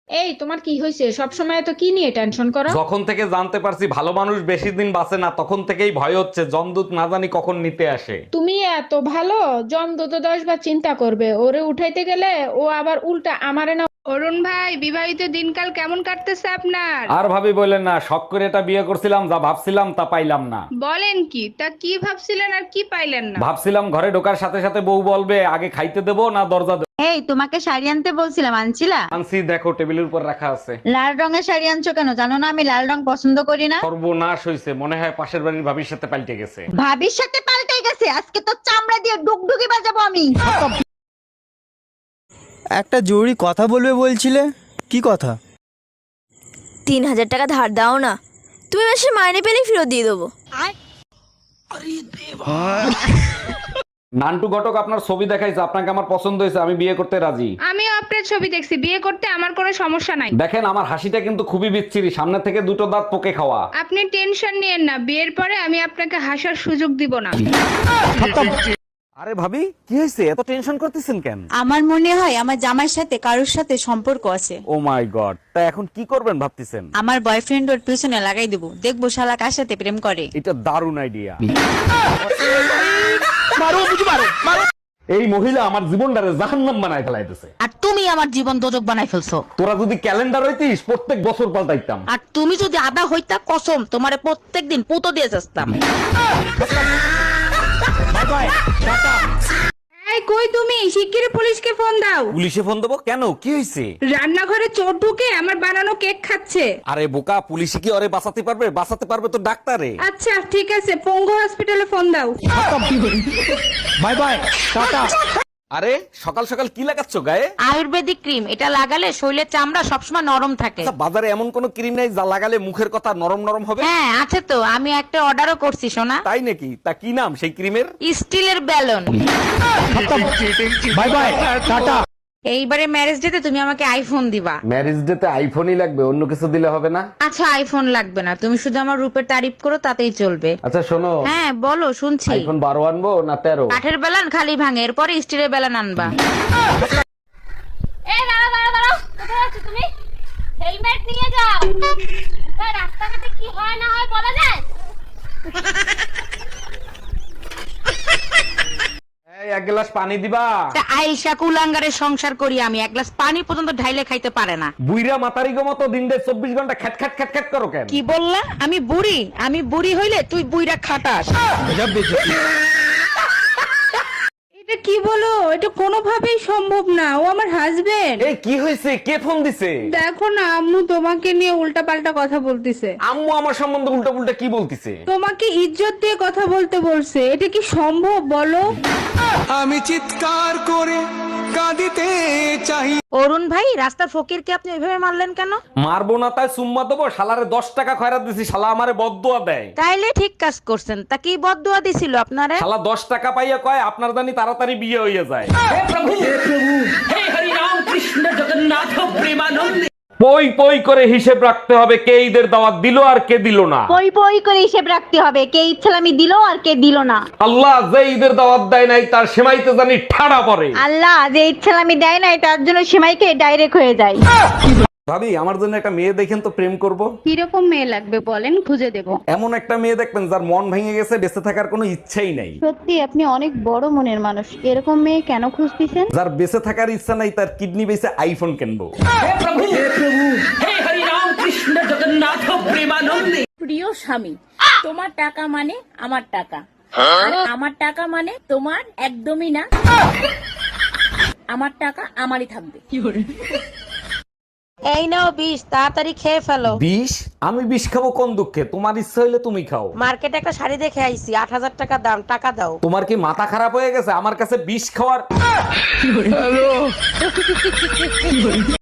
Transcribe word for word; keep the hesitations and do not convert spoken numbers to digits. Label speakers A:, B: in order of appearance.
A: এই তোমার কি হয়েছে? সব সময় তো কি নিয়ে টেনশন করো?
B: যখন থেকে জানতে পারছি ভালো মানুষ বেশি দিন বাঁচে না, তখন থেকেই ভয় হচ্ছে জমদূত না জানি কখন নিতে আসে।
A: তুমি এত ভালো, জমদূত দশ বার চিন্তা করবে ওরে উঠাইতে গেলে, ও আবার উল্টা আমারে না। অরুণ ভাই, বিবাহিত দিনকাল কেমন কাটতেছে আপনার?
B: আর ভাবি বললেন না, শখ করে এটা বিয়ে করছিলাম, যা ভাবছিলাম তা পাইলাম না।
A: বলেন কি? তা কি ভাবছিলেন আর কি পাইলেন না?
B: ভাবছিলাম ঘরে ঢোকার সাথে সাথে বউ বলবে আগে খাইতে দেবো না দরজা দেবো।
C: এই তোমাকে শাড়ি আনতে বলছিলাম, আনছিলা?
B: আনছি, দেখো টেবিলের উপর রাখা আছে।
C: লাল রঙের শাড়ি আনছো কেন? জানো না আমি লাল রং পছন্দ করি না।
B: সর্বনাশ হয়েছে, মনে হয় পাশের বাড়ির ভাবির সাথে পাল্টে গেছে।
C: ভাবির সাথে পাল্টে গেছে, আজকে তো চামড়া দিয়ে ডুগডুগি বাজাবো আমি।
D: একটা জরুরি কথা বলবে বলছিলে, কি কথা?
E: তিন হাজার টাকা ধার দাও না, তুমি মাসে মাইনে পেলেই ফেরত দিয়ে দেবো।
B: নান্টু ঘটক আপনার ছবি দেখাইছে, আপনাকে আমার পছন্দ হয়েছে, আমি বিয়ে করতে রাজি।
A: আমিও আপনার ছবি দেখছি, বিয়ে করতে আমার কোনো সমস্যা নাই।
B: দেখেন আমার হাসিটা কিন্তু খুবই বিচ্ছিরি, সামনে থেকে দুটো দাঁত পোকে খাওয়া।
A: আপনি টেনশন নিয়েন না, বিয়ের পরে আমি আপনাকে হাসার সুযোগ দিব না।
B: আরে ভাবি কি হয়েছে, এত টেনশন করতেছেন কেন?
F: আমার মনে হয় আমার জামাইয়ের সাথে কারোর সাথে সম্পর্ক আছে।
B: ও মাই গড, তা এখন কি করবেন ভাবতেছেন?
F: আমার বয়ফ্রেন্ড ওর পিছনে লাগাই দেবো, দেখবো শালা কার সাথে প্রেম করে।
B: এটা দারুণ আইডিয়া। এই মহিলা আমার জীবনটারে জাহান্নাম বানায় ফেলাইতেছে।
G: আর তুমি আমার জীবন দোজক বানাই ফেলছো।
B: তোরা যদি ক্যালেন্ডার হইতিস প্রত্যেক বছর পাল্টাইতাম।
G: আর তুমি যদি আদা হইতা কসম তোমারে প্রত্যেকদিন পুতো দিয়ে যাস্তাম।
A: এই কই তুমি? শিগগিরই পুলিশকে ফোন দাও।
B: পুলিশে ফোন দেবো কেন, কি হয়েছে?
A: রান্নাঘরে চোর ঢুকে আমার বানানো কেক খাচ্ছে।
B: আরে বোকা, পুলিশে কি ওরে বাঁচাতে পারবে? বাঁচাতে পারবে তো ডাক্তারে।
A: আচ্ছা ঠিক আছে, পঙ্গু হসপিটালে ফোন দাও।
D: Bye bye, tata.
B: আরে সকাল সকাল কি লাগাচ্ছ গায়ে?
G: আয়ুর্বেদিক ক্রিম, এটা লাগালে শরীরের চামড়া সবসময় নরম থাকে।
B: আচ্ছা, বাজারে এমন কোন ক্রিম নাই যা লাগালে মুখের কথা নরম নরম হবে?
G: হ্যাঁ আছে তো, আমি একটা অর্ডারও করছি সোনা।
B: তাই নাকি? তা কি নাম সেই ক্রিমের?
G: স্টিলের ব্যালন।
D: Bye bye, tata.
G: এইবারে ম্যারেজ ডেতে তুমি আমাকে আইফোন দিবা।
B: ম্যারেজ ডেতে আইফোনই লাগবে, অন্য কিছু দিলে হবে না?
G: আচ্ছা আইফোন লাগবে না, তুমি শুধু আমার রূপের তারিফ করো তাতেই চলবে।
B: আচ্ছা শোনো,
G: হ্যাঁ বলো, শুনছি।
B: আইফোন বারো আনবো না তেরো?
G: কাঠের বেলান খালি ভাঙে, এরপরে স্টিলের বেলান আনবা।
H: এই দাঁড়াও দাঁড়াও দাঁড়াও, কোথায় আছো তুমি? হেলমেট নিয়ে যাও। তাই রাস্তাঘাটে কি হয় না হয় বলা যায়?
B: এই এক গ্লাস পানি দিবা।
G: তা আইসা কুলাঙ্গারের সংসার করি আমি, এক গ্লাস পানি পর্যন্ত ঢাইলে খাইতে পারে না।
B: বুইরা মাতারি গো মতো দিন দেড় চব্বিশ ঘন্টা খ্যাট খ্যাট খ্যাট খ্যাট করো কেন?
G: কি বললা? আমি বুড়ি? আমি বুড়ি হইলে তুই বুইরা খাটাস।
A: এটা কি বলো? এটা কোনোভাবেই সম্ভব না, ও আমার হাজবেন্ড।
B: এই কি হয়েছে, কে ফোন দিছে?
A: দেখো না, আম্মু তোমাকে নিয়ে উল্টাপাল্টা কথা বলতিছে।
B: আম্মু আমার সম্বন্ধে উল্টা পুল্টা কি বলতিছে?
A: তোমাকে ইজ্জত দিয়ে কথা বলতে বলছে, এটা কি সম্ভব বলো?
D: আমি চিৎকার করে কাঁদিতে চাই।
G: অরুণ ভাই, রাস্তার ফকিরকে আপনি ওইভাবে মারলেন কেন?
B: মারবো না তাই সুম্মা দেবো? শালারে দশ টাকা খয়রাত দিছি, শালা আমারে বদদুয়া দেয়।
G: তাইলে ঠিক কাজ করছেন। তা কি বদদুয়া দিছিল আপনারে?
B: শালা দশ টাকা পাইয়া কয় আপনার জানি তাড়াতাড়ি বিয়ে হইয়া যায়। পই পই করে হিসেব রাখতে হবে কে ঈদের দাওয়াত দিল আর কে দিল না।
C: পই পই করে হিসেব রাখতে হবে, কে ইচ্ছালামি দিল আর কে দিল না।
B: আল্লাহ যে ঈদের দাওয়াত দেয় নাই তার সেমাইতে জানি ঠাড়া পড়ে।
C: আল্লাহ যে ইচ্ছালামি দেয় না তার জন্য সেমাইকে ডাইরেক্ট হয়ে যায়।
B: ভাবি আমার জন্য একটা মেয়ে দেখেন তো, প্রেম করব।
A: কিরকম মেয়ে লাগবে বলেন, খুঁজে দেব।
B: এমন একটা মেয়ে দেখবেন যার মন ভেঙে গেছে, বেঁচে থাকার কোনো ইচ্ছাই নাই।
C: সত্যি আপনি অনেক বড় মনের মানুষ, এরকম মেয়ে কেন খুঁজতেছেন?
B: যার বেঁচে থাকার ইচ্ছা নাই, তার কিডনি বেঁচে আইফোন কিনবো।
I: প্রিয় স্বামী, তোমার টাকা মানে আমার টাকা, আর আমার টাকা মানে তোমার একদমই না। আমার টাকা আমারই থাকবে।
G: এই নাও বিষ, তাড়াতাড়ি খেয়ে ফেলো।
B: বিষ? আমি বিষ খাবো কোন দুঃখে? তোমার ইচ্ছা হইলে তুমি খাও।
G: মার্কেটে একটা শাড়ি দেখে আইছি, আট হাজার টাকা দাম, টাকা দাও।
B: তোমার কি মাথা খারাপ হয়ে গেছে আমার কাছে বিষ খাওয়ার?